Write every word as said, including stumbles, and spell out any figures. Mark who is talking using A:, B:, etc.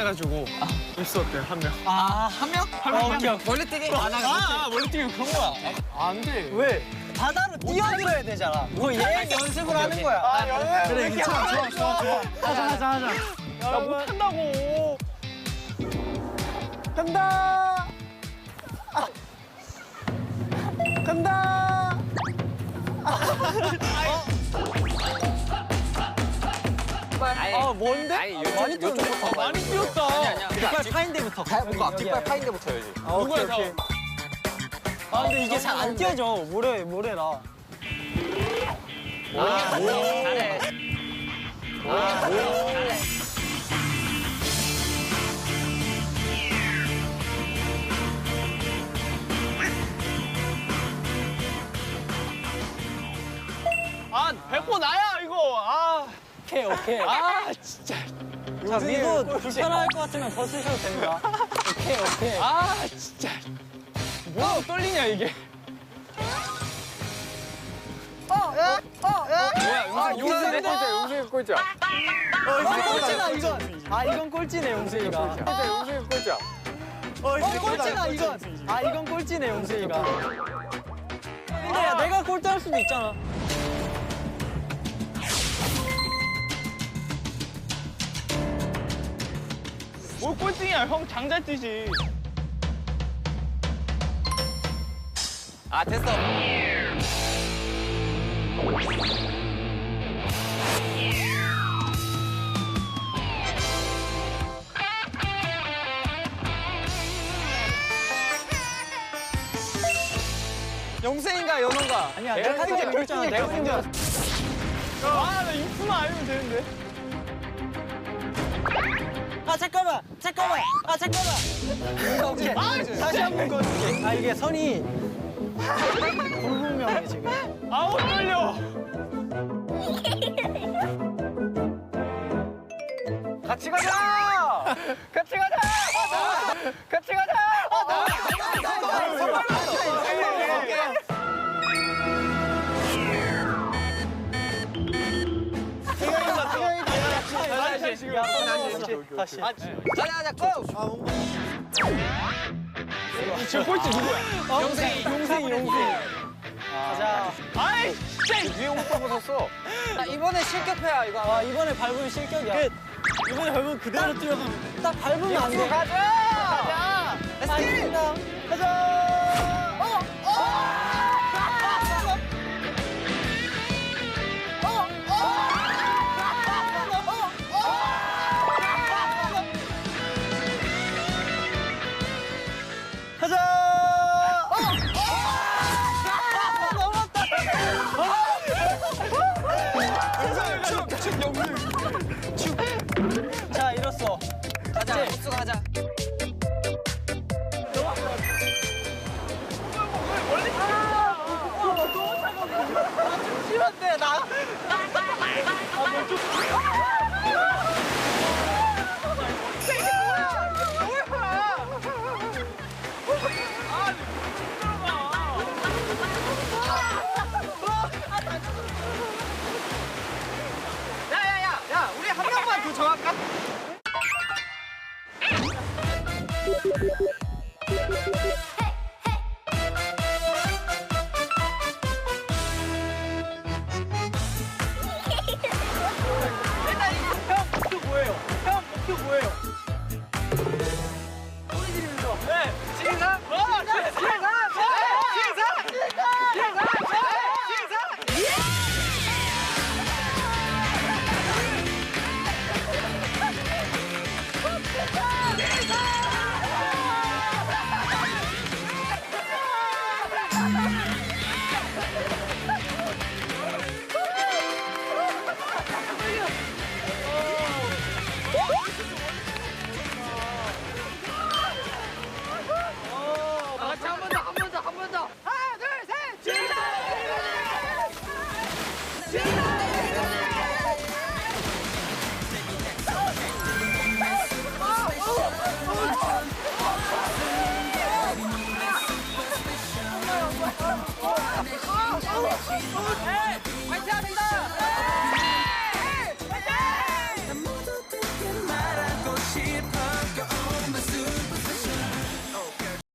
A: 해가지고 입수 어때 한 명?
B: 아, 한 명?
A: 한 명, 한 명.
B: 멀리뛰기?
A: 아, 아, 멀리뛰기 그런 거야. 아, 안 돼.
B: 왜? 바다로 뛰어들어야 되잖아. 그거 예행 연습을 하는 거야.
A: 아, 연습.
B: 그래, 괜찮아. 좋아, 좋아, 좋아. 하자, 하자, 하자.
A: 나 못한다고. 간다. 아. 간다. 아, 뭔데?
B: 아니, 요쪽,
A: 많이 뛰었네. 아, 많이 뛰었다.
B: 아니, 아니야. 뒷발 파인 데부터.
A: 뭔가
B: 뒷발 파인 데부터 해야지.
A: 아, 누구야, 다.
B: 아, 근데 이게 잘 안 뛰어져. 모래, 모래라.
A: 아, 잘해. 아, 잘해. 아, 백호 나야, 이거. 아.
B: 오케이, 오케이.
A: 아, 진짜.
B: 자, 미도 불편할 것 같으면 벗으셔도 됩니다. 오케이, 오케이.
A: 아, 진짜. 뭐가 떨리냐, 이게.
B: 어, 야, 어, 야.
A: 뭐야, 용수인데? 꼴찌야, 용수이 꼴찌야.
B: 아, 꼴찌다, 이건. 아, 이건 꼴찌네, 용수이가.
A: 꼴찌야, 용수이 꼴찌야.
B: 어, 꼴찌다, 이건. 아, 이건 꼴찌네, 용수이가. 근데 야, 내가 꼴찌 할 수도 있잖아.
A: 뭘 꼴등이야, 형 장잘 뛰지.
B: 아, 됐어. 영생인가, 연호가? 아니야, 내가 이제 결정한 내가 혼자.
A: 아, 나 입수만 알면 되는데.
B: 아, 잠깐만! 잠깐만! 아, 잠깐만! 오케이. 아, 다시 한 번 걸어줄게. 아, 이게 선이 불분명해, 지금.
A: 아우, 떨려. 같이 가자! 같이 가자! 같이 가자!
B: 다시.
A: 아,
B: 가자, 가자, 고!
A: 지금 꼴찌 누구야?
B: 용생이, 용생이, 용생이. 가자.
A: 아이, 진짜 위에 옷 벗었어.
B: 나 이번에 실격해야, 이거. 아, 이번에 밟으면 실격이야. 끝. 이번에 밟으면 그대로 뛰어가면 돼. 딱 밟으면 안 돼.
A: 가자! 가자!
B: 알겠습니다. 가자! 어! 어! 가자! 어! 어! 넘었다!
A: 축, 축, 영웅.
B: 축. 자, 이뤘어. 가자, 복수 가자. 심한데, 나. 아, 뭐 좀.
A: 야, 우리 한 명만 더 정할까? 일단 형 목표 뭐예요? 형 목표 뭐예요? 소리 지르면서. 네, 시작. 어, 시작. 시작. 시작. 시작. 화이팅 합니다!